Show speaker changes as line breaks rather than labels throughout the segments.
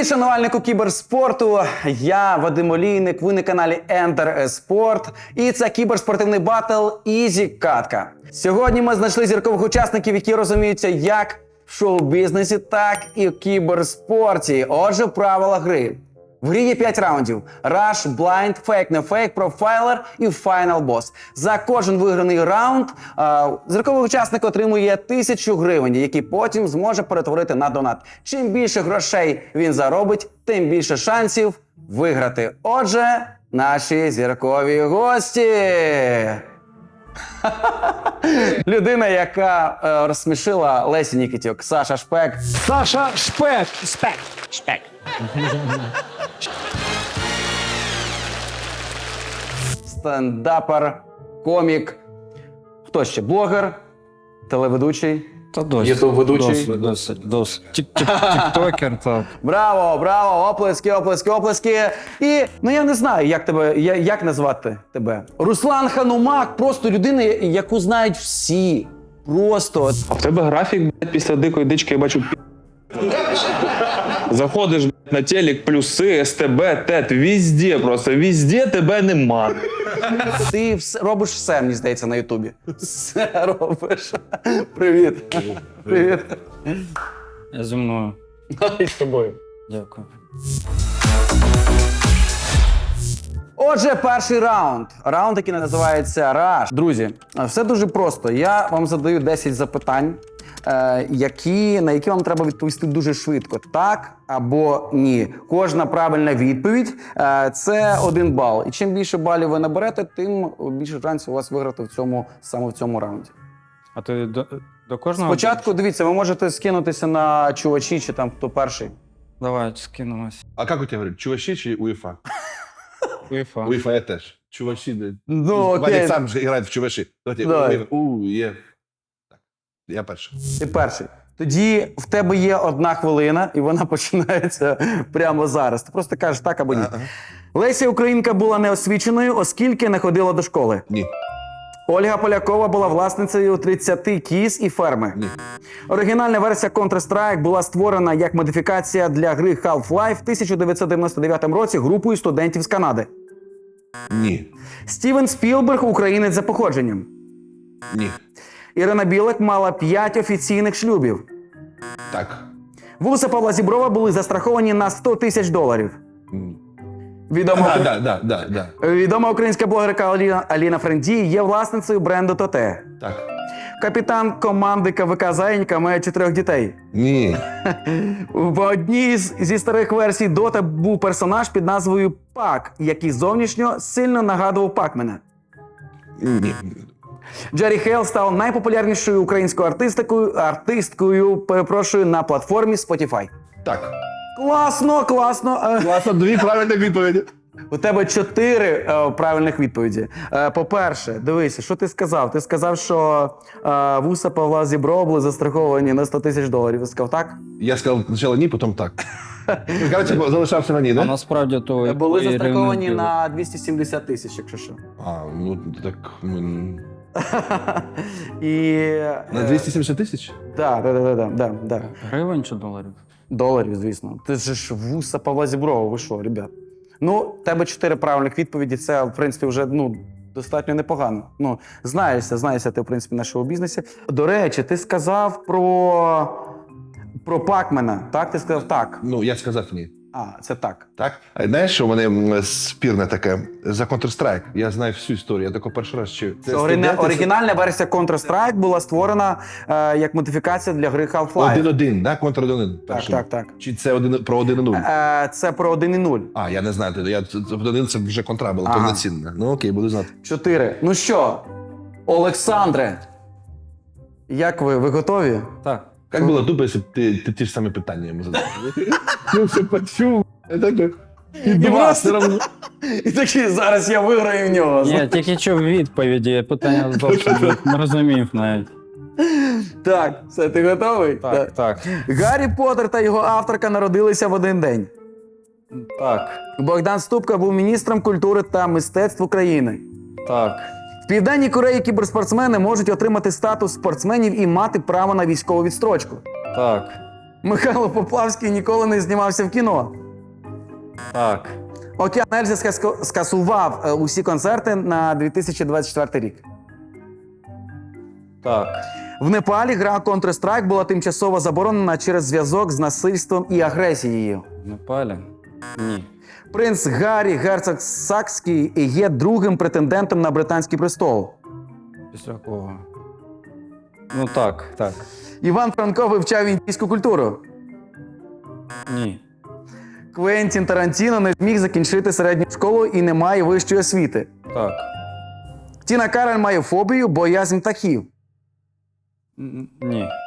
Привіт, шанувальнику кіберспорту! Я Вадим Олійник, ви на каналі Enter eSport. І це кіберспортивний батл Ізі Катка. Сьогодні ми знайшли зіркових учасників, які розуміються як в шоу-бізнесі, так і в кіберспорті. Отже, правила гри. В грі є 5 раундів: Rush, Blind, Fake, No Fake, Profiler і Final Boss. За кожен виграний раунд зірковий учасник отримує 1000 гривень, які потім зможе перетворити на донат. Чим більше грошей він заробить, тим більше шансів виграти. Отже, наші зіркові гості. Людина, яка розсмішила Лесі Нікітюк. Саша Шпек.
Саша Шпек. Шпек.
Стендапер, комік, хто ще? Блогер, телеведучий,
Та досить.
ютуб-ведучий.
Досить. Тіктокер, так.
Браво, браво, оплески, оплески, оплески. І, я не знаю, як назвати тебе. Руслан Ханумак, просто людина, яку знають всі. Просто.
А в тебе графік, блядь, після дикої дички, я бачу, заходиш, блядь, на телек, плюси, СТБ, ТЕТ, везде тебе нема.
Ти робиш все, мені здається, на Ютубі. Все робиш. Привіт. Привіт.
Я зі мною.
І з тобою.
Дякую.
Отже, перший раунд. Раунд, який називається Rush. Друзі, все дуже просто. Я вам задаю 10 запитань, на які вам треба відповісти дуже швидко. Так або ні. Кожна правильна відповідь – це 1 бал. І чим більше балів ви наберете, тим більше шансів у вас виграти саме в цьому раунді.
А ти до кожного?
Спочатку, дивіться, ви можете скинутися на чувачі, чи там хто перший.
Давай, скинемось.
А как у тебя говорят, чувачи чи УЕФА?
УЄФА.
УЕФА я теж. Чувачи, блядь.
Ну, окей.
Вадик сам же играет в чувачи. Давайте,
Давай.
УЕ. Так, я перший.
Ти перший. Тоді в тебе є 1 хвилина, і вона починається прямо зараз. Ти просто кажеш так або ні.
Ага.
Леся Українка була неосвіченою, оскільки не ходила до школи.
Ні.
Ольга Полякова була власницею 30 кіз і ферми.
Ні.
Оригінальна версія Counter-Strike була створена як модифікація для гри Half-Life в 1999 році групою студентів з Канади.
Ні.
Стівен Спілберг – українець за походженням.
Ні.
Ірина Білик мала 5 офіційних шлюбів.
Так.
Вуса Павла Зіброва були застраховані на $100 000.
Да.
Відома українська блогерка Аліна Френдій є власницею бренду Тоте.
Так.
Капітан команди КВК «Заєнька» має 4 дітей.
Ні.
В одній зі старих версій Дота був персонаж під назвою Пак, який зовнішньо сильно нагадував Пакмена.
Ні.
Джері Хейл став найпопулярнішою українською артисткою на платформі Spotify.
Так.
Класно!
Класно, 2 правильних відповіді.
У тебе 4 правильних відповіді. По-перше, дивися, що ти сказав? Ти сказав, що вуса Павла Зіброва були застраховані на $100 000. Ти сказав так?
Я сказав спочатку ні, потім так. Короче, залишався на ні,
А
да?
насправді то...
Були
Ірини
застраховані
Білик.
на 270 000, якщо що.
А, ну так...
І...
На 270 тисяч?
Так.
Гривень чи доларів?
Доларів, звісно. Ти ж вуса Павла Зіброва, ви що, ребят? Ну, тебе 4 правильних відповіді, це, в принципі, вже, достатньо непогано. Знаєшся ти, в принципі, на шоу-бізнесі. До речі, ти сказав про Пакмена, так? Ти сказав так.
Ну, я сказав ні.
А, це так.
Так? А знаєш, що вони спірне таке? За Counter-Strike. Я знаю всю історію, я тако перший раз чую.
Це оригінальна версія Counter-Strike була створена як модифікація для гри Half-Life.
1-1, да? Counter-1.
Так.
Чи це про 1-0?
Це про 1.0.
А, я не знаю, 1-1 це вже контра була,
Ага.
повноцінна. Ну окей, буду знати.
4. Ну що, Олександре, як ви готові?
Так.
Як було тупо, якщо б ти ті ж самі питання йому задав? Ну, все почув. І два все одно.
І такий, зараз я виграю в нього.
Ні, тільки чув відповіді, питання зовсім не розумів навіть.
Так, все, ти готовий?
Так.
Гаррі Поттер та його авторка народилися в один день.
Так.
Богдан Ступка був міністром культури та мистецтв України.
Так.
В Південній Кореї кіберспортсмени можуть отримати статус спортсменів і мати право на військову відстрочку.
Так.
Михайло Поплавський ніколи не знімався в кіно.
Так.
Океан Ельзи скасував усі концерти на 2024 рік.
Так.
В Непалі гра Counter-Strike була тимчасово заборонена через зв'язок з насильством і агресією.
В Непалі? Ні.
Принц Гаррі Герцог Сакський є другим претендентом на британський престол.
Після кого? Ну так, так.
Іван Франко вивчав індійську культуру.
Ні.
Квентін Тарантіно не зміг закінчити середню школу і не має вищої освіти.
Так.
Тіна Кароль має фобію, боязнь птахів.
Ні.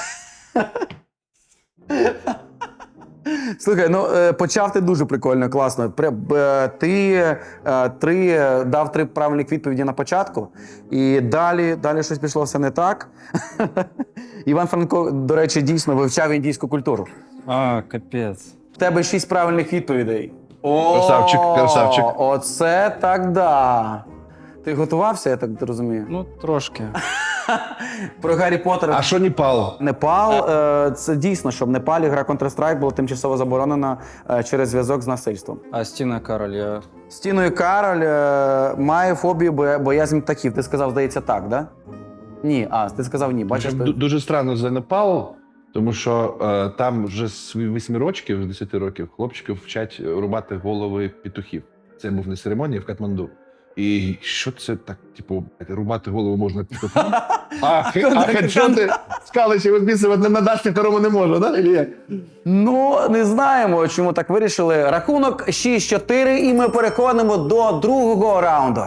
Слухай, ну почав ти дуже прикольно, класно. Ти дав 3 правильних відповіді на початку, і далі щось пішло все не так. Іван Франко, до речі, дійсно вивчав індійську культуру.
А, капець.
В тебе 6 правильних відповідей.
Красавчик, красавчик.
Оце так да. Ти готувався, я так розумію?
Ну, трошки.
Про Гаррі Поттера.
А що Непал?
Непал, це дійсно, що в Непалі гра Counter-Strike була тимчасово заборонена через зв'язок з насильством.
А Стіна Кароль, я...
Стіною Кароль має фобію боязнь птахів. Ти сказав, здається, так, да? Ні, ти сказав ні. Бачиш,
Дуже странно за Непал, тому що там вже з 8 років, з 10 років, хлопчиків вчать рубати голови петухів. Це був на церемонії в Катманду. І що це так, типу, рубати голову можна петухам? А хедшоти скаличі відписувати на дашці второму не можна, да? Или як?
Ну, не знаємо, чому так вирішили. Рахунок 6-4, і ми переходимо до другого раунду.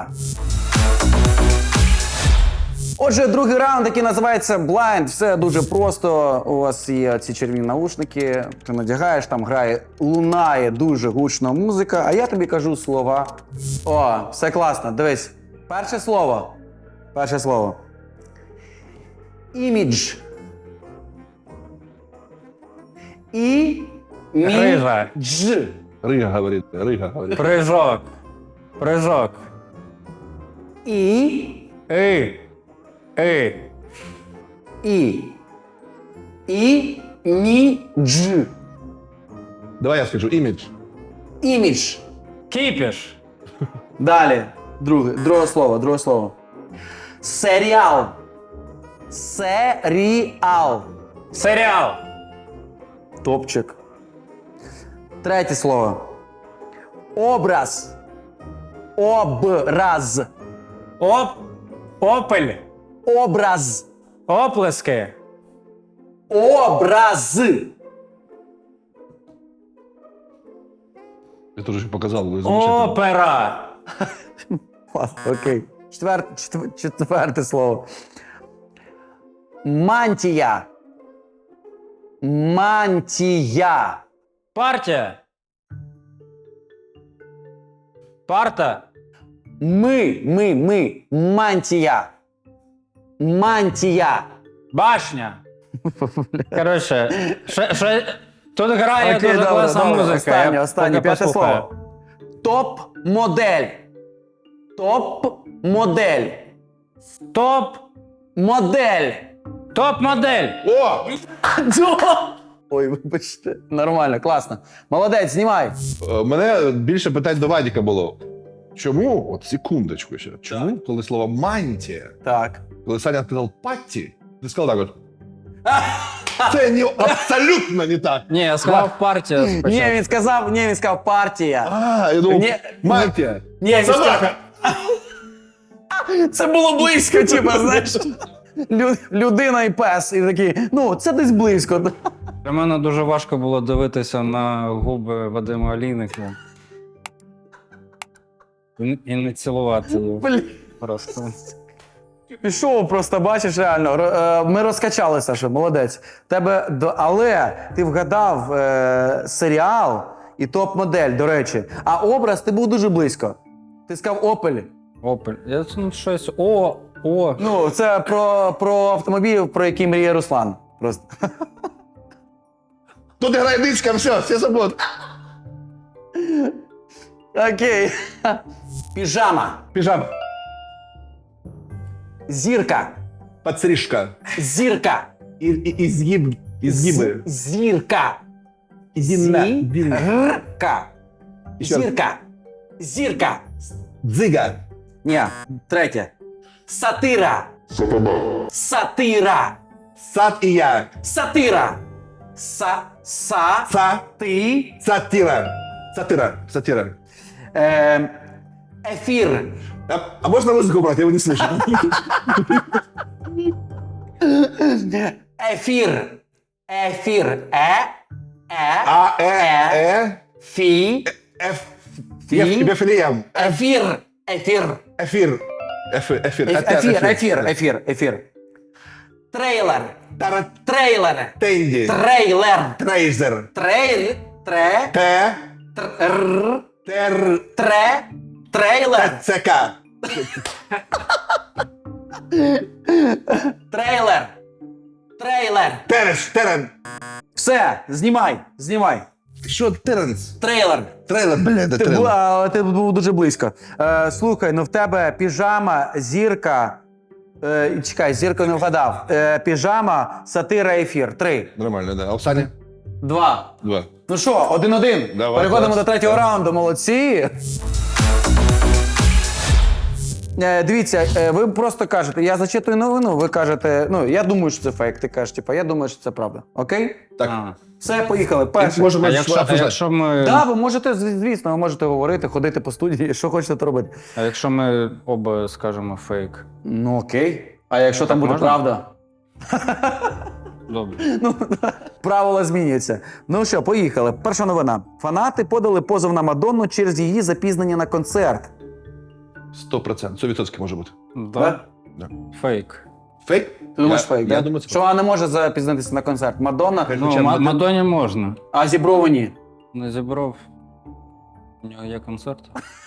Отже, другий раунд, який називається Blind. Все дуже просто. У вас є ці червоні наушники, ти надягаєш, там лунає дуже гучна музика, а я тобі кажу слова. О, все класно. Дивись. Перше слово. Імідж.
Грижа.
Дж.
Рига говорить.
Прыжок. Прыжок.
І. Дж.
Давай я скажу, імідж.
Імідж.
Кіпіш.
Далі. Друге слово. Серіал.
Серіал.
Топчик. Третє слово. Образ.
Опель.
Образ.
Оплески.
Образ.
Я теж ще показав, ви замечательно.
Опера.
Ладно, окей. Четверте слово. Мантія.
Партія. Парта.
Мантія.
Башня. Коротше, тут грає
Окей,
дуже
добре,
класна
добре.
музика. Я
Останнє,
поки
п'яте
послухаю.
слово. Топ-модель.
Топ-модель.
О!
Ой, вибачте. Нормально, класно. Молодець, знімай.
Мене більше питань до Вадіка було. Чому, от секундочку ще, чому, коли слово мантія,
Так.
коли Саня сказав патті, ти сказав так от. Це абсолютно не так.
Ні, я сказав партія спочатку.
Ні, він сказав партія.
Я думав,
Ні,
мантія.
Ні, він сказав... Це було близько, типу, знаєш. Людина і пес. І такий, ну, це десь близько.
Для мене дуже важко було дивитися на губи Вадима Олійника. І не цілувати його.
Блін.
Просто.
Пішов просто, бачиш, реально. Ми розкачали, Саша, молодець. Але ти вгадав серіал і топ-модель, до речі. А образ ти був дуже близько. Ти сказав Опель.
Опель. Я щось.
Ну, це про автомобіль, про який мріє Руслан. Просто.
Тут грає дичка, все забуд.
Окей. Піжама.
Піжама.
Зірка.
Подстрижка.
Зірка.
І згиб Ізгиби.
Зірка. Зірка.
Ще раз.
Зірка. Зірка.
Дзига.
Ні, третє. Сатира. Сатира.
Сад і я.
Сатира. Ти.
Сатира. Сатира.
Ефір.
А можна музику брати? Я его не слышу.
Ефір. Ефір. Фі.
Ефіліям.
Ефір. Ефір.
Ефір.
Ефір. Трейлер.
Тарат.
Трейлер.
Тенді.
Трейлер.
Трейзер.
Трейлер.
Те. Тер.
Трейлер.
ЦК.
Трейлер.
Терен.
Все, знімай.
Що Теренс?
Трейлер.
Трейлер, бля,
Ти був дуже близько. Слухай, ну в тебе піжама, зірка. Чекай, зірка не вгадав. Піжама, сатира, ефір. 3.
Нормально, да. А у Сані?
2.
2.
Ну що, 1-1.
Давай,
Переходимо
клас.
до третього раунду. Молодці. Дивіться, ви просто кажете, я зачитую новину, ви кажете, ну, я думаю, що це фейк. Ти кажеш, типу, я думаю, що це правда. Окей?
Так.
Все, поїхали. Перше.
Можемо
А якщо ми,
Так, ви можете, звісно, ви можете говорити, ходити по студії, що хочете, то робити.
а якщо ми оба скажемо фейк?
Ну окей. А якщо там буде
можна?
правда?
Добре.
Ну, правила змінюються. Ну що, поїхали. Перша новина. Фанати подали позов на Мадонну через її запізнення на концерт.
100%. 100% може бути.
Да?
Да.
Фейк.
Фейк?
Ти думаєш фейк,
Я
да?
думаю, це
Що вона не може запізнитися на концерт? Мадонна,
Кажуть,
Ну,
Хоча б
Мадоні можна.
а Зіброву ні.
Не зібрав. У нього є концерт.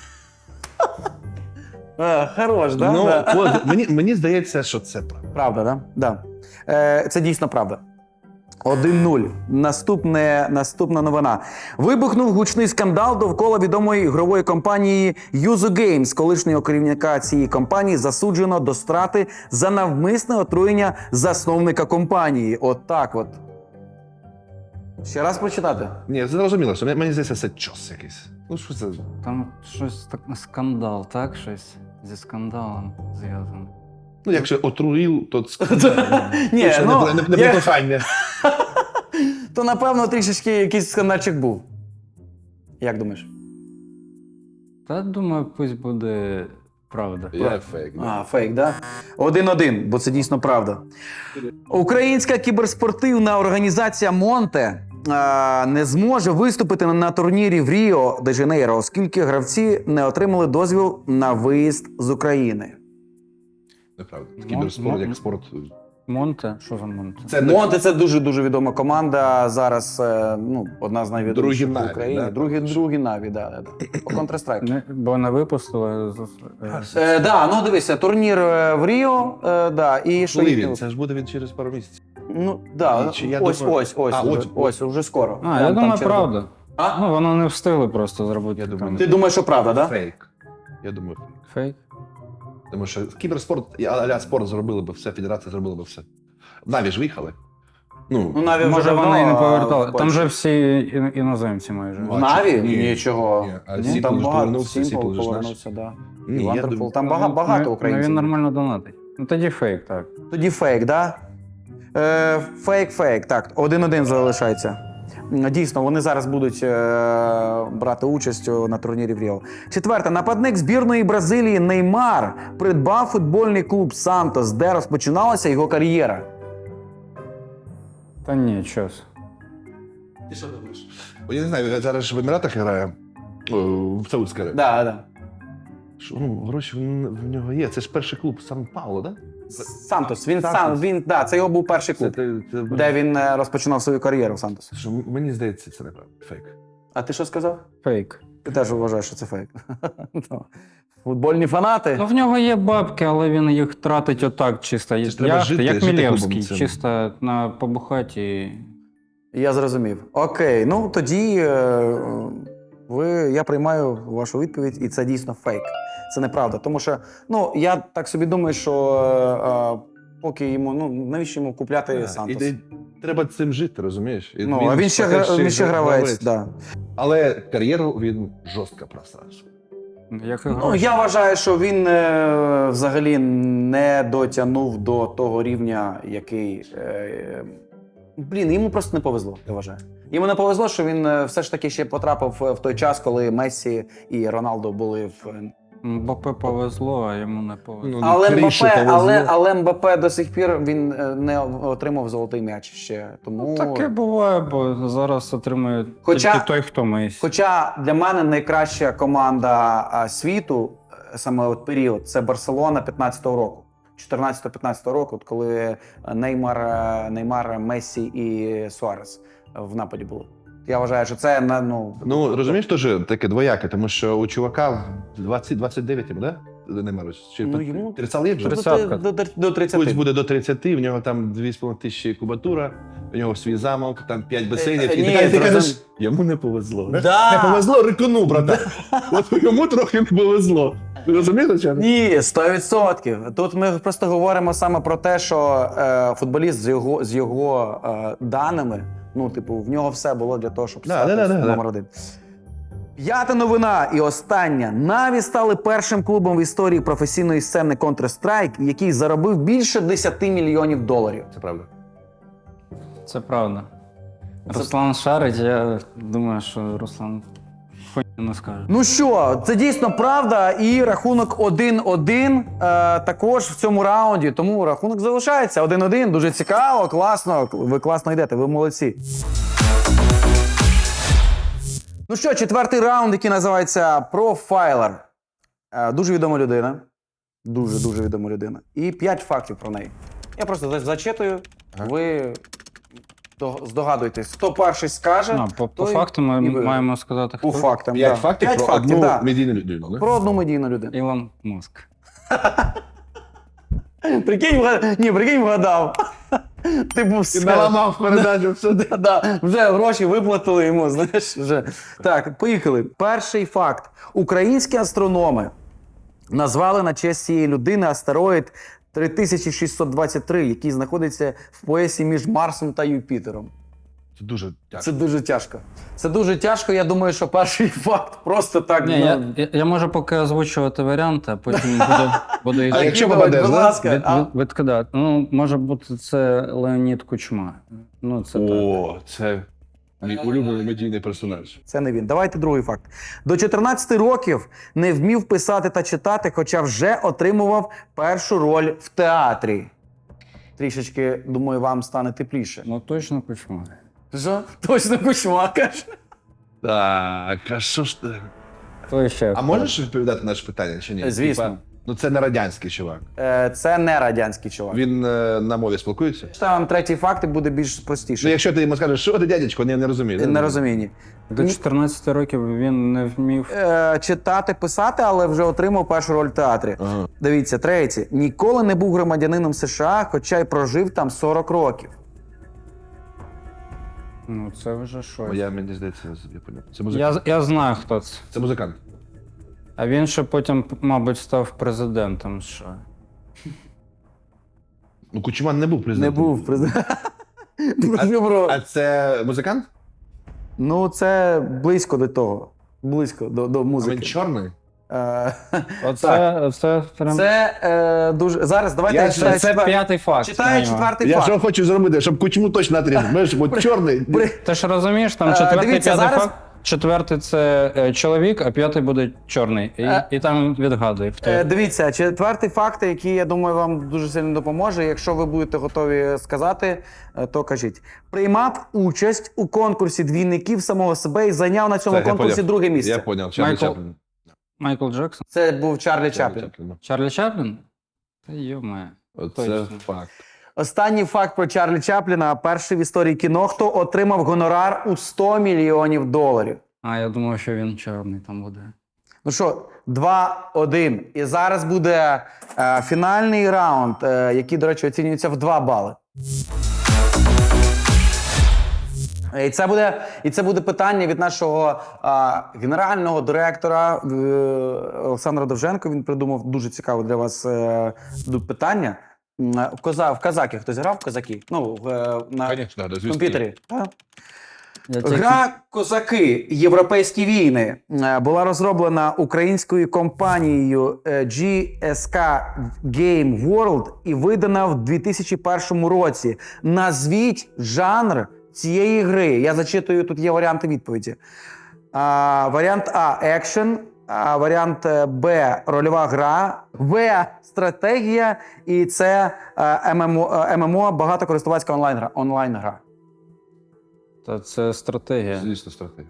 Хорош, да?
Ну,
Да.
от, мені здається, що це правда.
Правда, да? Да. Це дійсно правда. 1-0. Наступна новина. Вибухнув гучний скандал довкола відомої ігрової компанії Yuzu Games. Колишнього керівника цієї компанії засуджено до страти за навмисне отруєння засновника компанії. От так от. Ще раз прочитати.
Ні, зрозуміло, що мені здається, це чос якийсь. Ну, що це?
Там щось так скандал, так? Щось зі скандалом зв'язано.
Ну, якщо отруїв, то
Ні, ну,
не кохання.
то напевно трішечки якийсь скандальчик був. Як думаєш?
Та думаю, пусть буде правда.
Я фейк.
А, фейк, да? 1-1, бо це дійсно правда. Українська кіберспортивна організація Монте не зможе виступити на турнірі в Ріо де Жанейро, оскільки гравці не отримали дозвіл на виїзд з України.
Неправда. Кіберспорт як спорт.
Монте? Що за Монте?
Це
Монте – це дуже дуже команда. Зараз одна з найвідоміших
Другі
в Україні.
Наві, да?
Другі Наві, да. По Counter-Strike.
Бо не випустили.
Да, ну дивися, турнір в Ріо, да, і що
Коли
їх-
він? Це ж буде він через пару місяців.
Ну, да,
Чи я
ось,
думаю-
ось, уже скоро.
А, я
Там
думаю,
через-
правда.
А?
Ну, вони не встигли просто зробити.
Я думаю,
там
Ти думаєш, що правда, да?
Фейк. Я думаю, фейк.
фейк.
Тому що кіберспорт, а-ля спорт зробили би все, федерація зробила би все. Наві ж виїхали.
Ну,
Ну,
Наві
Може,
вже
вони і не повертали.
в
Там
Польщі.
же всі іноземці майже.
В Наві?
Ні.
Нічого.
Ні, а
Ну,
Сімпл
там
ж
багато,
повернувся,
Сімпл
Сімпл ж наш.
повернувся, да.
Ні,
І
я
Вандерфул.
думаю-
Там багато
Ну,
українців.
він нормально донатить. Ну тоді фейк, так.
Тоді фейк, да? Фейк. Так, 1-1 залишається. Дійсно, вони зараз будуть брати участь на турнірі в Ріо. Четверте. Нападник збірної Бразилії Неймар придбав футбольний клуб «Сантос», де розпочиналася його кар'єра.
Та ні, щось.
Я не знаю, зараз ж в Еміратах грає, в Саудській Аравії.
Да.
Ну, гроші в нього є. Це ж перший клуб Сан-Пауло, так?
«Сантос». Це його був перший клуб,
Це
де він розпочинав свою кар'єру в «Сантос».
що, мені здається, це неправда. Фейк.
А ти що сказав?
Фейк.
Ти теж вважаєш, що це фейк. Ну, футбольні фанати.
Ну в нього є бабки, але він їх тратить отак, чисто
Це ж треба жити
як
клубом
Мілєвський,
цим.
чисто на побухаті.
Я зрозумів. Окей, ну тоді я приймаю вашу відповідь, і це дійсно фейк. Це неправда. Тому що, я так собі думаю, що поки йому, навіщо йому купляти «Сантос»?
Треба цим жити, розумієш? І
Ну, а він ще
поки
гравець, да.
Але кар'єру він жорстко просрався.
Як і
Ну,
гроші.
я вважаю, що він взагалі не дотягнув до того рівня, який. Йому просто не повезло, я вважаю. Йому не повезло, що він все ж таки ще потрапив в той час, коли Мессі і Роналдо були в.
Мбаппе повезло, а йому не повезло.
Ну,
Але
Крішу
Мбаппе,
повезло.
але Мбаппе до сих пір він не отримав золотий м'яч ще. Тому
Таке буває, бо зараз отримує
Хоча-
тільки той, хто Месі.
Хоча для мене найкраща команда світу, саме от період, це Барселона 15-го року. 14-15 року, от коли Неймар, Мессі і Суарес в нападі були. Я вважаю, що це
Ну, розумієш, теж таке двояке, тому що у чувака 29 йому, да? Неймару? Чи
йому
30 є вже?
30.
до 30.
Пусть буде до 30, в нього там 2,5 тисячі кубатура, у нього свій замок, там 5 басейнів. І
ні,
ти кажеш,
розум-
йому не повезло.
Да.
Не повезло рикону, брата. От йому трохи не повезло. Ти розумієш, чи?
Ні, 100%. Тут ми просто говоримо саме про те, що футболіст з його даними, в нього все було для того, щоб стати номер один. П'ята новина і остання. Наві стали першим клубом в історії професійної сцени Counter-Strike, який заробив більше 10 мільйонів доларів.
Це правда.
Це правда. Руслан шарить, я думаю, що Руслан хуйню не скаже.
Ну що, це дійсно правда, і рахунок 1-1 також в цьому раунді, тому рахунок залишається 1-1, дуже цікаво, класно, ви класно йдете, ви молодці. Ну що, четвертий раунд, який називається Profiler. Дуже відома людина, дуже відома людина, і 5 фактів про неї. Я просто зачитую, ви здогадуєтесь, хто перший скаже,
По
той
факту ми
і виграє.
маємо сказати, хто.
По фактам,
5
да.
фактів
5
про
фактів,
одну
да.
медійну людину, да?
Про одну медійну людину.
Ілон Маск.
Прикинь, вгадав. Ти був
Ти наламав передачу, все.
Да, вже гроші виплатили йому, знаєш, вже. Так, поїхали. Перший факт. Українські астрономи назвали на честь цієї людини астероїд 3623, який знаходиться в поясі між Марсом та Юпітером.
Це дуже тяжко.
Це дуже тяжко. Це дуже тяжко, я думаю, що перший факт просто так.
Ні, я можу поки озвучувати варіанти, а потім буду
А якщо попадеш,
будь
да?
ласка.
відкидати. Ну, може бути, це Леонід Кучма. Ну, це так.
О, це мій улюблений медійний персонаж.
Це не він. Давайте другий факт. До 14 років не вмів писати та читати, хоча вже отримував першу роль в театрі. Трішечки, думаю, вам стане тепліше.
Ну, точно Кучма.
Що? Точно Кучма, каже.
Так, а що ж ти?
Той ще.
А можеш відповідати на наше питання чи ні?
Звісно.
Типа, ну це не радянський чувак.
Це не радянський чувак.
Він на мові спілкується?
Читаю вам третій факт і буде більш
Ну,
простіше.
якщо ти йому скажеш, що ти, дядечко, не розумію.
Не розумінні.
До 14 років він не вмів.
Читати, писати, але вже отримав першу роль в театрі.
Ага.
Дивіться, третє. Ніколи не був громадянином США, хоча й прожив там 40 років.
Ну, це вже щось.
Мені здається, я поняв. Це музикант.
Я знаю, хто це.
Це музикант.
А він ще потім, мабуть, став президентом США.
Ну, Кучман не був
Не
президентом.
був президентом. Дуже про-
А це музикант?
Ну, це близько до того. Близько до
А
музики.
він чорний?
Це прям.
Це дуже. Зараз давайте я читаю
Це п'ятий факт.
Читаю четвертий
Я
факт.
що хочу зробити, щоб Кучму точно натрізав. Знаєш, бо чорний.
Ти ж розумієш, там четвертий,
дивіться,
п'ятий
зараз-
факт. Четвертий це чоловік, а п'ятий буде чорний. І там відгадує. Хто.
Дивіться, четвертий факт, який, я думаю, вам дуже сильно допоможе. Якщо ви будете готові сказати, то кажіть. Приймав участь у конкурсі двійників самого себе і зайняв на цьому
Це, я
конкурсі
поняв.
друге місце.
Я поняв, Чарлі
Майкл-
Чаплін.
Майкл Джексон?
Це був Чарлі Чаплін.
Чарлі Чаплін? Та йоме.
Це
Точно.
факт.
Останній факт про Чарлі Чапліна. Перший в історії кіно, хто отримав гонорар у 100 мільйонів доларів.
А, я думав, що він чорний там буде.
Ну що, 2-1. І зараз буде фінальний раунд, який, до речі, оцінюється в 2 бали. І це буде питання від нашого генерального директора Олександра Довженко. Він придумав дуже цікаве для вас питання. В казаки хтось грав в казаки? Ну, на
Конечно, да, звісно.
комп'ютері. Так?
Я тільки-
Гра Козаки. Європейські війни була розроблена українською компанією GSK Game World і видана в 2001 році. Назвіть жанр цієї гри. Я зачитую, тут є варіанти відповіді. Варіант А екшен, варіант Б рольова гра, В стратегія і це ММО багатокористувацька онлайн-гра.
Та це стратегія.
Звісно, стратегія.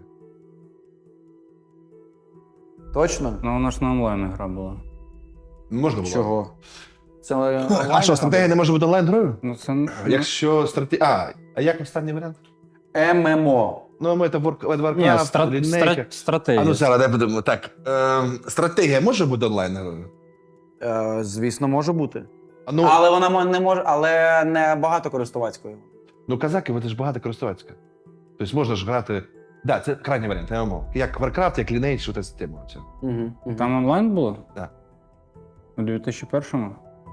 Точно?
Ну, вона ж на онлайн гра була.
Можна було.
Чого? Це
А що, стратегія не може бути онлайн-грою?
Ну, це...
Якщо стратегія... А як останній варіант?
ММО.
Ну, ми це
Ні,
Warcraft, лінейка.
стратегія.
А ну зараз, дай будемо. Так, стратегія може бути онлайн-грою?
Звісно, може бути.
А ну,
Але вона не може, але не багатокористувацькою.
ну, казаки, вони ж багато користувацька. Тобто можна ж грати... Да, це крайній варіант, ММО. Як Warcraft, як Lineage, ота система. Оця.
Там онлайн було?
Так.
У 2001-му?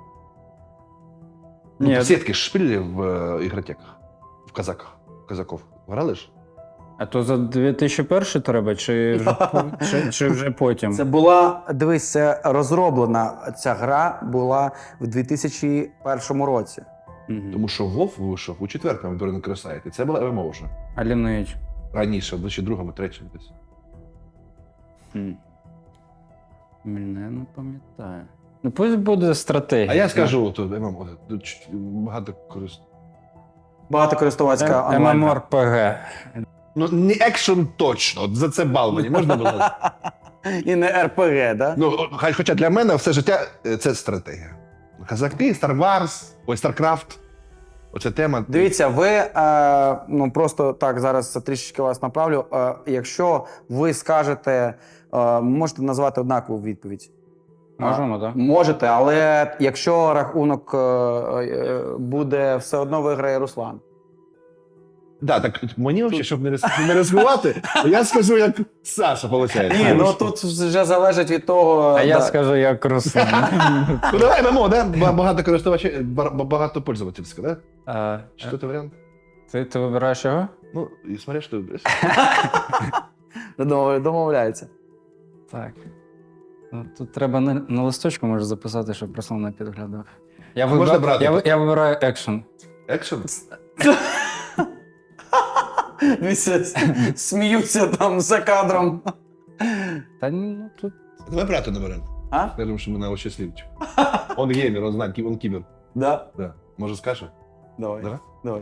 Ну,
Ні,
сітки ж шпилі в ігротеках, в казаков. Грали ж?
а то за 2001 треба, чи вже потім?
Це була, дивись, це розроблена ця гра була в 2001 році.
Мгм.
Тому що WoW вийшов у 4-му Burning Crusade, і це була ММО вже.
А Lineage?
Раніше, в 2002-му, 3-му десь.
Блін, я не пам'ятаю. Ну, пусть буде стратегія.
А я скажу, то ММО, багато користується.
Багатокористувацька онлайн.
MMORPG.
Ну, не екшн точно, от за це бал мені можна було?
І не РПГ, да?
Ну, хоча для мене все життя це стратегія. Казаки, Star Wars, ой, StarCraft. Оця тема.
Дивіться, ви ну просто так зараз трішечки вас направлю. Якщо ви скажете, можете назвати однакову відповідь.
Можемо, так?
Можете, але якщо рахунок буде, все одно виграє Руслан.
Да, так мені взагалі, щоб не ризикувати, я скажу, як Саша, виходить.
Ні, ну тут вже залежить від того.
А я
да.
скажу, як Руслан.
Ну давай ММО, да? Багато користувачів, багато пользовательська, да? Що це варіант?
Ти вибираєш його?
Ну, і смотри, що ти вибереш.
Домовляється.
Так. Ну, тут треба на листочку може записати, щоб Руслан не підглядав.
можна брати?
Я вибираю екшен.
Екшн?
Дивіться, сміються там за кадром.
Та ну тут.
Давай брати на варіант.
А?
Скажемо, що ми на щасливчик. Он геймер, он знає, он кібер.
Да?
Да. Може скаже?
Давай.
Давай.
Давай.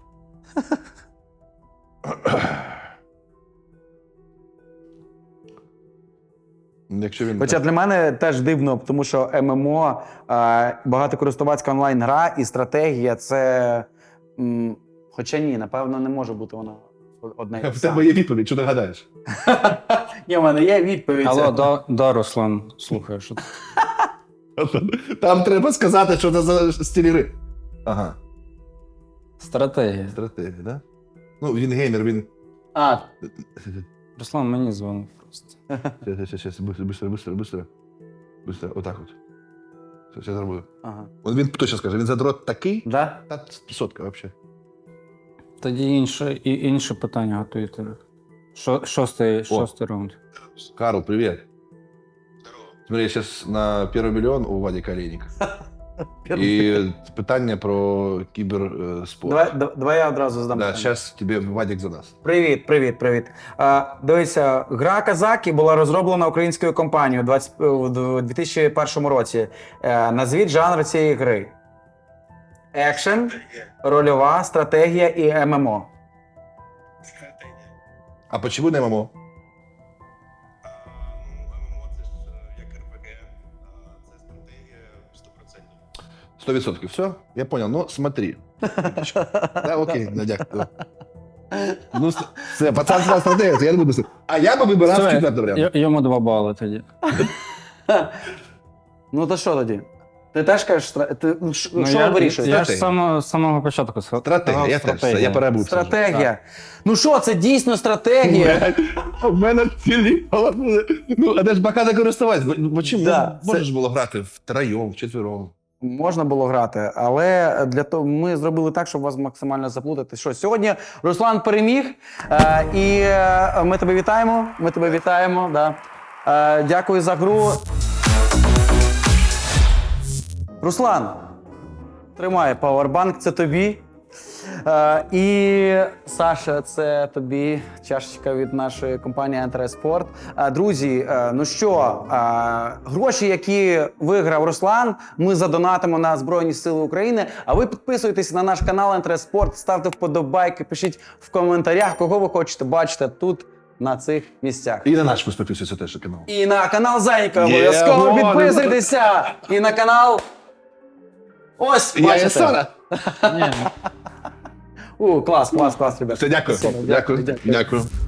Якщо він...
Хоча для мене теж дивно, тому що ММО, багатокористувацька онлайн-гра і стратегія це. Хоча ні, напевно, не може бути вона одна і та
В
сама.
тебе є відповідь, що ти гадаєш?
Ні, в мене є відповідь.
Алло, да, Руслан, слухай, що ти.
Там треба сказати, що це за стиль гри. Ага,
Стратегія.
стратегія, да? Ну, він геймер, він...
А,
Руслан мені дзвонив просто.
Сейчас, быстро. Отак от. Сейчас зроблю.
ага.
Він точно скаже, він задрот такий,
Да?
та сотка взагалі.
Тоді інше питання готуйте. Шостий раунд.
Карл, привет. Смотри, я сейчас на 1 мільйон у Вадика Олейника. І питання про кіберспорт.
Давай я одразу задам.
Да,
питання.
сейчас тебе Вадик задаст.
Привіт. Дивися, гра Казаки була розроблена українською компанією у 2001 році. Назвіть жанр цієї гри. Екшен, рольова, стратегія і ММО.
А почему не ММО?
ММО це ж як РПГ, це стратегія 100%.
100%. Все? Я понял. Ну, смотри. Да, окей, дякую. Ну, все, пацанська стратегія, я не буду. А я би вибирав
Все,
четвертий варіант.
Йому 2 бали тоді.
Ну то що тоді? Ти теж кажеш, що
я
вирішуєш?
Я ж з самого початку сказав.
Стратегія, я теж. Я перебув.
Стратегія. Ну що, це дійсно стратегія?
У мене цілі голови. Ну, а де ж багато користуватися? Ну, чим
Да,
можеш було грати втроєм, вчетвером?
можна було грати, але для того ми зробили так, щоб вас максимально заплутати. Що сьогодні Руслан переміг, і ми тебе вітаємо. Ми тебе вітаємо. Да. Дякую за гру. Руслан, тримай пауербанк, це тобі. І Саша, це тобі чашечка від нашої компанії Enter Sport. Друзі, ну що, гроші, які виграв Руслан, ми задонатимо на Збройні Сили України. А ви підписуйтесь на наш канал Enter Sport, ставте вподобайки, пишіть в коментарях, кого ви хочете бачити тут, на цих місцях.
І на наш підписуйся теж канал.
І на канал Зайка обов'язково
Є,
підписуйтеся. І на канал... Ось, бачите.
Ні.
Клас, ребят.
Все, дякую.
Все,
Дякую.
дякую.
Дякую.